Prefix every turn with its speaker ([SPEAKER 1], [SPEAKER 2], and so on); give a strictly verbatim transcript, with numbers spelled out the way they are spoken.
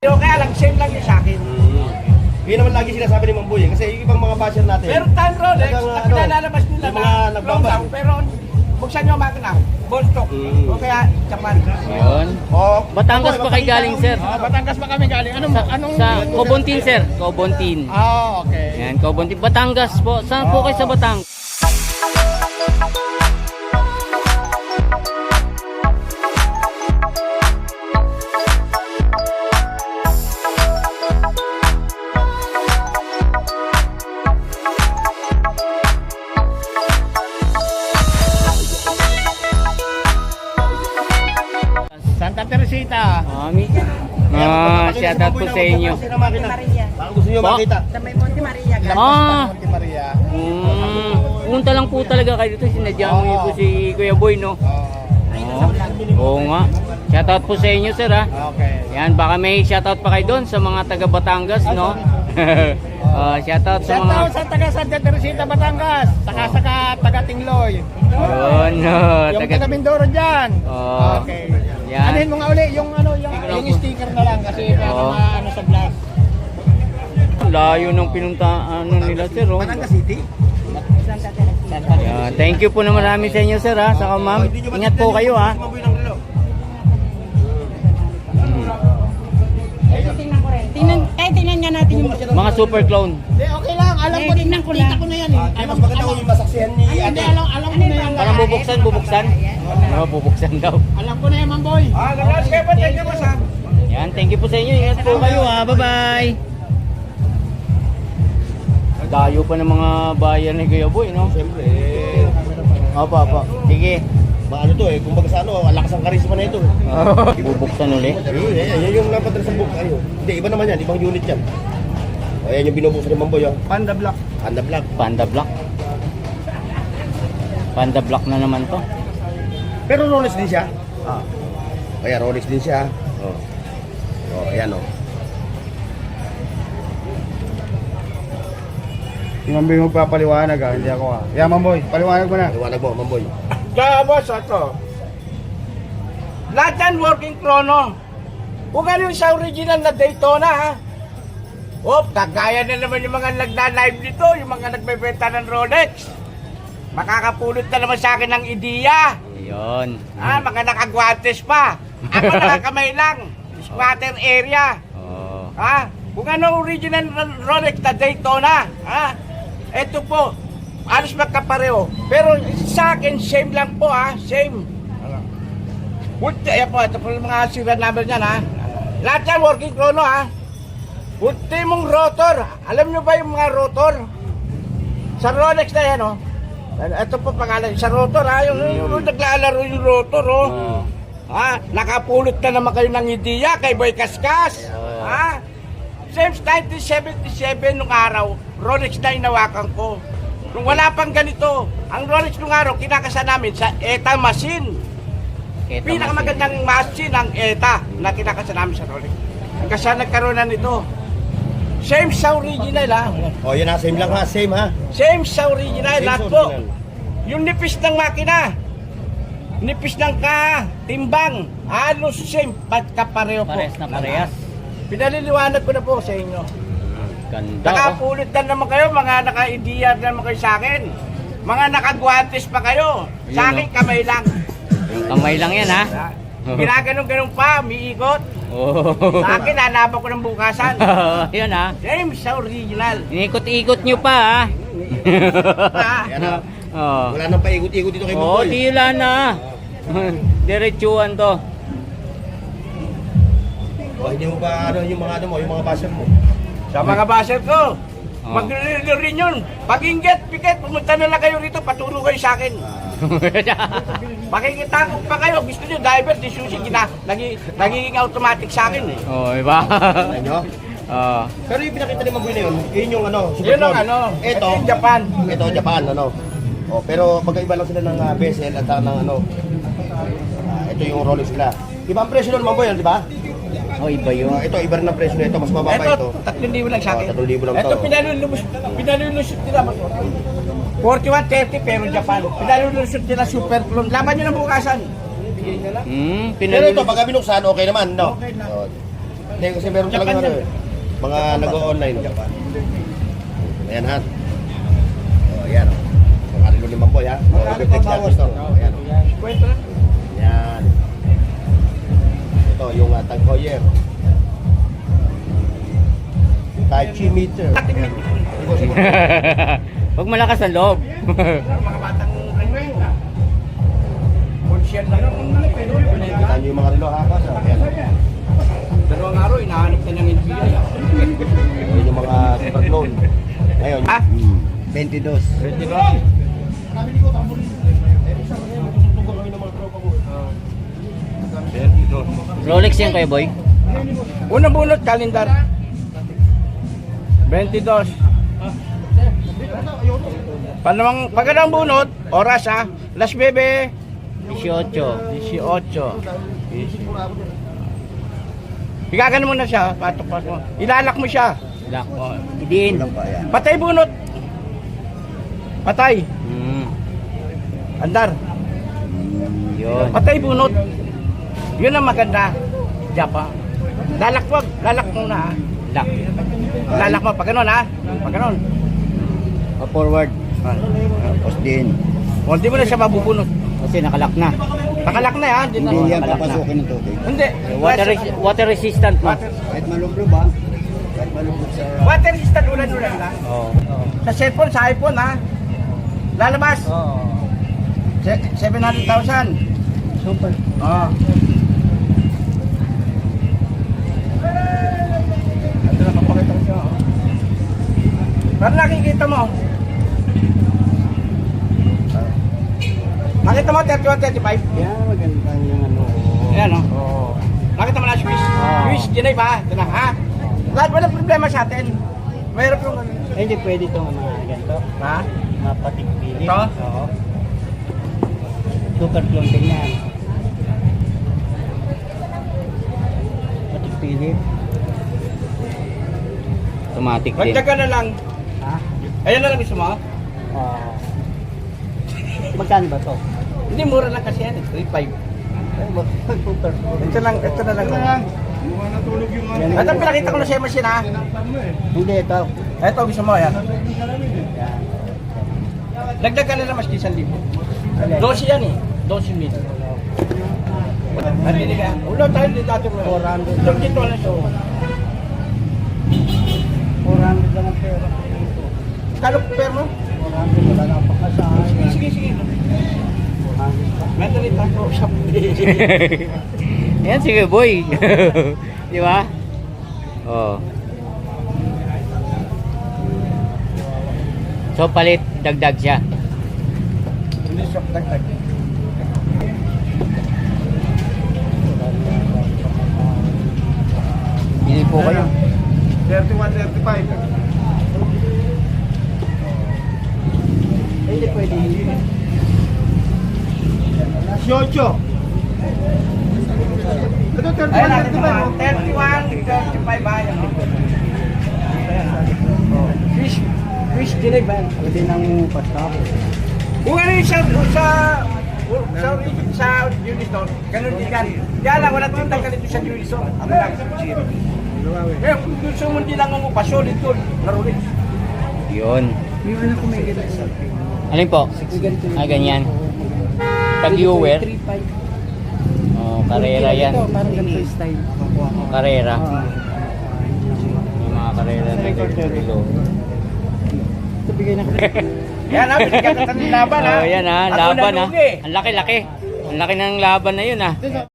[SPEAKER 1] Pero kaya lang, same lang yun sa akin.
[SPEAKER 2] Mm. Yun naman lagi sinasabi ni Mamboy eh. Kasi yung ibang mga basher natin.
[SPEAKER 1] Pero tan Rolex,
[SPEAKER 2] talagang,
[SPEAKER 1] na
[SPEAKER 2] ano,
[SPEAKER 1] pinalalabas nila
[SPEAKER 2] yung
[SPEAKER 1] na
[SPEAKER 2] mga
[SPEAKER 1] clone
[SPEAKER 2] nagbabas.
[SPEAKER 1] down, pero buksan nyo ang makina, ball stock.
[SPEAKER 2] Mm.
[SPEAKER 1] O kaya, Japan.
[SPEAKER 3] Yun.
[SPEAKER 2] Oh,
[SPEAKER 3] Batangas pa kayo galing, sir.
[SPEAKER 4] Ah, Batangas pa kami galing. Anong,
[SPEAKER 3] Sa,
[SPEAKER 4] anong...
[SPEAKER 3] sa Cobontin, sir. Cobontin.
[SPEAKER 4] Ah, okay.
[SPEAKER 3] Yan, Cobontin. Batangas po. Saan po kayo sa Batangas?
[SPEAKER 4] Santa Teresita.
[SPEAKER 3] Mami. Ah, shout out po sa inyo.
[SPEAKER 5] Maria.
[SPEAKER 2] Baka gusto nyo
[SPEAKER 3] Ba?
[SPEAKER 2] makita.
[SPEAKER 5] Sa may Monte Maria.
[SPEAKER 4] Lampas
[SPEAKER 3] Ah.
[SPEAKER 4] pa Monte Maria.
[SPEAKER 3] Mm, punta lang po talaga kayo dito. Sinadya mo niyo po si Kuya Boy, no?
[SPEAKER 4] Oh,
[SPEAKER 3] Oo. Oo nga. Shout out po sa inyo, sir, ha?
[SPEAKER 4] okay.
[SPEAKER 3] Yan, baka may shout out pa kayo doon sa mga taga Batangas, no? Ah, shout out sa
[SPEAKER 4] Shout
[SPEAKER 3] mga...
[SPEAKER 4] out sa taga Santa Teresita, Batangas. Saka saka taga Tingloy.
[SPEAKER 3] Yun, no?
[SPEAKER 4] Yung
[SPEAKER 3] Taga...
[SPEAKER 4] taga Mindoro dyan.
[SPEAKER 3] Oh.
[SPEAKER 4] Okay.
[SPEAKER 3] Yan.
[SPEAKER 4] Anuhin mo nga uli yung ano yung,
[SPEAKER 3] Sticker lang
[SPEAKER 4] yung
[SPEAKER 3] po.
[SPEAKER 4] sticker na lang kasi para
[SPEAKER 3] Oo.
[SPEAKER 4] ma- ano sa vlog.
[SPEAKER 3] Layo ng pinunta ano nila, sir, oh.
[SPEAKER 2] Batangas City.
[SPEAKER 5] Santa Teresita.
[SPEAKER 3] Yan, thank you po na marami sa inyo, sir, ha? Saka, ma'am, ingat po kayo, ha?
[SPEAKER 2] Si Mamboy ng relo.
[SPEAKER 5] Tingnan ko rin. Tingnan, kahit tingnan nga natin yung...
[SPEAKER 3] Mga super clone.
[SPEAKER 4] Hindi, okay lang. Alam
[SPEAKER 5] Eh,
[SPEAKER 4] ko,
[SPEAKER 5] tingnan ko
[SPEAKER 4] kita
[SPEAKER 5] lang.
[SPEAKER 4] ko na yan eh.
[SPEAKER 2] Ay, mas maganda ko yung masaksihan ni
[SPEAKER 4] Hindi,
[SPEAKER 2] ate.
[SPEAKER 4] alam, alam ko na yan.
[SPEAKER 3] Parang bubuksan, bubuksan. Oo, bubuksan daw.
[SPEAKER 4] Alam ko na yan, Mamboy.
[SPEAKER 1] Ah, galas kayo pa, thank you po sa.
[SPEAKER 3] Yan, thank you po sa inyo. Ingat po kayo, ha? Bye-bye. Dayo pa ng mga bayan ni Kuya Boy, no?
[SPEAKER 2] Siyempre.
[SPEAKER 3] Opo, opo. Sige.
[SPEAKER 2] Maano to eh. Kumbaga sa ano, ang lakas ang karisma na ito. eh.
[SPEAKER 3] Bubuksan uli.
[SPEAKER 2] Ayun, yan, yan yung napadala sa book. Ayun. Hindi, iba naman yan. Ibang unit yan. O, yan yung binubuksan ni Mamboy. Oh.
[SPEAKER 1] Panda Black.
[SPEAKER 2] Panda Black.
[SPEAKER 3] Panda Black. Panda Black na naman to.
[SPEAKER 2] Pero Rolex din siya. Ah. Kaya Rolex din siya. Oh. Oh, ayan oh.
[SPEAKER 4] Yung Mamboy mo papaliwanag ah, hindi ako ah. Yeah, Mamboy, paliwanag mo na.
[SPEAKER 2] Liwanag mo, Mamboy.
[SPEAKER 1] Kaya boss, ito. Lahat yan working chrono. Kung ano yung sa original na Daytona, ha? Oh, kagaya na naman yung mga nagda-live dito, yung mga nagbebenta ng Rolex. Makakapulot na naman sa akin ng ideya.
[SPEAKER 3] Ayun.
[SPEAKER 1] Ah, mga nakagwantes pa. Ako nakakamay lang. Squatter area.
[SPEAKER 3] Oh.
[SPEAKER 1] Ha? Kung ano original na Rolex na Daytona, ha? Ito po, alos magkapareho. Pero sa akin, same lang po, ha? Same. Puti, ayan po, ito po yung mga serial number niyan, ha? Lahat yan, working chrono, ha? Puti mong rotor. Alam nyo ba yung mga rotor? Sa Rolex na yan, oh. Ito po pangalan, sa rotor, ha? Yung, yung, yung naglalaro yung rotor, oh.
[SPEAKER 3] Oh.
[SPEAKER 1] Ha? Nakapulot na naman kayo ng ideya kay Boy Kaskas.
[SPEAKER 3] Oh.
[SPEAKER 1] Ha? Since nineteen seventy-seven nung araw, Rolex na inawakan ko. Nung wala pang ganito, ang Rolex nung araw, kinakasa namin sa E T A machine.
[SPEAKER 3] Kita
[SPEAKER 1] Pinakamagandang machine ang E T A na kinakasa namin sa Rolex. Hanggang sa nagkaroon na nito. Same sa original, ha?
[SPEAKER 2] Oh, yan ha, same lang ha, same ha.
[SPEAKER 1] Same sa original,
[SPEAKER 2] Same
[SPEAKER 1] lahat
[SPEAKER 2] sa
[SPEAKER 1] po.
[SPEAKER 2] original.
[SPEAKER 1] Yung nipis ng makina, nipis ng ka, timbang, halos same, pagkapareho po.
[SPEAKER 3] Parehas na parehas.
[SPEAKER 1] Pinaliliwanag ko na po sa inyo.
[SPEAKER 3] Ganda, oh.
[SPEAKER 1] Nakapulit na naman kayo, mga naka-ideya na naman kayo sa akin. Mga nakagwantes pa kayo. Sa
[SPEAKER 3] Ayun,
[SPEAKER 1] akin,
[SPEAKER 3] oh.
[SPEAKER 1] kamay lang.
[SPEAKER 3] Yung kamay lang yan, ha?
[SPEAKER 1] Ginaganong-ganong pa, miikot.
[SPEAKER 3] Oh.
[SPEAKER 1] Sa akin, hanap ko ng bukasan.
[SPEAKER 3] Yun, ha?
[SPEAKER 1] Same sa original.
[SPEAKER 3] Inikot-ikot nyo pa, ha?
[SPEAKER 1] Ah,
[SPEAKER 2] Yan ha.
[SPEAKER 3] Oh.
[SPEAKER 2] Wala nang paikot-ikot dito kay
[SPEAKER 3] Oh,
[SPEAKER 2] Mamboy.
[SPEAKER 3] tila na. Diretsuhan to.
[SPEAKER 2] Oh, hindi mo ba ano yung mga ano mo, yung mga basher mo.
[SPEAKER 1] sa mga baser ko,
[SPEAKER 3] Oh.
[SPEAKER 1] maglililo rin yun. Pag inget, piket, pumunta na lang kayo rito, paturo kayo sa akin. Makikita ko pa kayo, gusto nyo, diver, di susi, gina, nagi, nagiging automatic sa akin eh.
[SPEAKER 3] Oh, iba.
[SPEAKER 2] Alam nyo?
[SPEAKER 3] Oh.
[SPEAKER 2] Pero yung pinakita ni Mamboy na yun, yun yung ano,
[SPEAKER 1] Yun ang
[SPEAKER 2] Supercon.
[SPEAKER 1] ano,
[SPEAKER 2] Ito,
[SPEAKER 1] ito yung Japan.
[SPEAKER 2] ito Japan, ano. Oh, pero magkaiba lang sila ng uh, bezel at saka ng ano. ah, ito yung Rolex nila. Iba ang presyo nun, Mamboy, di ba?
[SPEAKER 3] Oh, iba yun.
[SPEAKER 2] Oh, ito, iba rin ang presyo nito, mas mababa ito.
[SPEAKER 1] Ito, tatlong libo lang sa akin.
[SPEAKER 2] Oh, tatlong libo lang
[SPEAKER 1] Ito,
[SPEAKER 2] to.
[SPEAKER 1] pinalulubos, pinalululusot nila. forty-one thirty pero Japan. Pinalululusot nila super clone. Laban nyo ng bukasan.
[SPEAKER 3] Hmm,
[SPEAKER 2] Pero ito,
[SPEAKER 3] pinalulus.
[SPEAKER 2] pagka binuksan, okay naman, no?
[SPEAKER 1] Okay na.
[SPEAKER 2] Oh, Hindi, kasi meron talaga ano eh. Mga nag-o-online. Ayan ha. O, ayan o. Mga rilo ni Mamboy ha. O, reflex natin ito. O, ayan o.
[SPEAKER 1] Kwento na.
[SPEAKER 2] Ayan. Ito, yung uh, Tag Heuer. Tai Chi meter.
[SPEAKER 1] Ating
[SPEAKER 2] Ayan. Siguro, siguro.
[SPEAKER 3] Huwag malakas ang loob.
[SPEAKER 1] Mga batang ano na. Conscious na lang.
[SPEAKER 2] Kita nyo yung mga rilo ha. Kasi, ayan.
[SPEAKER 1] Dalawang araw, inahanap na ng N B A.
[SPEAKER 2] Ayan yung mga super clone. Ngayon,
[SPEAKER 1] Ah?
[SPEAKER 2] hmm, twenty-two.
[SPEAKER 3] Rolex yan kayo, boy.
[SPEAKER 1] Unang bunot, kalendar. twenty-two. Panawang pagkadang bunot, oras ha. Las bebe,
[SPEAKER 3] eighteen.
[SPEAKER 1] eighteen. Higagan mo na siya, patok pa mo. Ilalak mo siya.
[SPEAKER 3] Lock. Idiin.
[SPEAKER 1] Patay bunot. Patay.
[SPEAKER 3] Mm.
[SPEAKER 1] Andar.
[SPEAKER 3] Yun.
[SPEAKER 1] Patay bunot. Yun ang maganda. Japa. Lalak wag. Lalak muna ha.
[SPEAKER 3] Lock.
[SPEAKER 1] Lalak mo. Pag ganun ha. Pag ganun.
[SPEAKER 3] Forward.
[SPEAKER 2] Tapos din.
[SPEAKER 1] O, hindi mo na siya mabubunot.
[SPEAKER 3] Kasi nakalock na.
[SPEAKER 1] Nakalak na ha. Hindi na.
[SPEAKER 3] Hindi yan papasukin
[SPEAKER 2] ng tubig.
[SPEAKER 1] Hindi.
[SPEAKER 3] Water, res- water resistant mo.
[SPEAKER 2] Kahit malublo ba? Kahit malublo sa...
[SPEAKER 1] Water resistant ulan-ulan lang.
[SPEAKER 3] Oo.
[SPEAKER 1] Sa cellphone, sa iPhone ha. Lalabas. Se- seven hundred thousand.
[SPEAKER 3] Super.
[SPEAKER 1] Oo. Ito na papakita ko siya. oh. Para nakikita mo. Nakita mo thirty-one, thirty-five?
[SPEAKER 3] Yan, maganda yung ano.
[SPEAKER 1] Ayan o.
[SPEAKER 3] Oo.
[SPEAKER 1] Nakita mo na Swiss?
[SPEAKER 3] Oo.
[SPEAKER 1] Swiss, Ginay ba? Ito na ha? Lahat wala problema sa atin. Mayroon yung ano.
[SPEAKER 3] Eh, hindi pwede itong mga ganito.
[SPEAKER 1] Ha?
[SPEAKER 3] Mapatigpili.
[SPEAKER 1] Ito?
[SPEAKER 3] Oo. Super clone din yan. Patigpili. Automatic din.
[SPEAKER 1] Magdaga na lang.
[SPEAKER 3] Ha?
[SPEAKER 1] Ayan na lang gusto mo?
[SPEAKER 3] Oo. Magkano ba to?
[SPEAKER 1] Hindi, mura lang kasi yan. eh. three five.
[SPEAKER 3] Super clone.
[SPEAKER 1] Ito lang, ito na lang.
[SPEAKER 3] Yan.
[SPEAKER 1] Ito pinakita ko na sa machine ha.
[SPEAKER 3] Hindi ito.
[SPEAKER 1] Ito gusto mo yan.
[SPEAKER 3] Yan.
[SPEAKER 1] Dagdag ka na lang maski isang libo. Dosi yan eh. Dosi mil. Nandini ka. Ulo tayo dito dati mo.
[SPEAKER 3] four hundred.
[SPEAKER 1] Ito dito na siya.
[SPEAKER 3] four hundred lang ang pera.
[SPEAKER 1] Kalo per mo?
[SPEAKER 3] four hundred wala na pakasahan.
[SPEAKER 1] Sige, sige, sige.
[SPEAKER 3] four hundred pa.
[SPEAKER 1] Mentally tayo sa
[SPEAKER 3] Yan, sige boy. Di ba? Oh. So palit, dagdag siya.
[SPEAKER 1] Hindi siya dagdag.
[SPEAKER 3] Bili po kayo.
[SPEAKER 1] thirty-one, thirty-five.
[SPEAKER 3] Hindi pwede.
[SPEAKER 1] Yocho. Ito thirty-one, thirty-five. thirty-one, thirty-five ba yan? Fish, fish dinay ba yan?
[SPEAKER 3] Pwede nang pastap.
[SPEAKER 1] Kung ano yung sa, sa, sa, sa Unison, ganun din yan. Kaya lang, wala tintang ganito sa Unison. Ano lang, zero. Eh, kung gusto mo din lang mo pa, solid doon. Narulit.
[SPEAKER 3] Yun. Alin po? Ah, ganyan. Tag-viewer. Oh, karera yan.
[SPEAKER 5] Parang ganito style.
[SPEAKER 3] Karera. Yung mga karera na ganito.
[SPEAKER 5] Ito bigay na
[SPEAKER 1] Yan ha, binigyan ka ng laban ha.
[SPEAKER 3] Oh, yan ha,
[SPEAKER 1] Ako
[SPEAKER 3] laban ha.
[SPEAKER 1] nalugi.
[SPEAKER 3] Ang laki-laki. Ang laki ng laban na yun ha.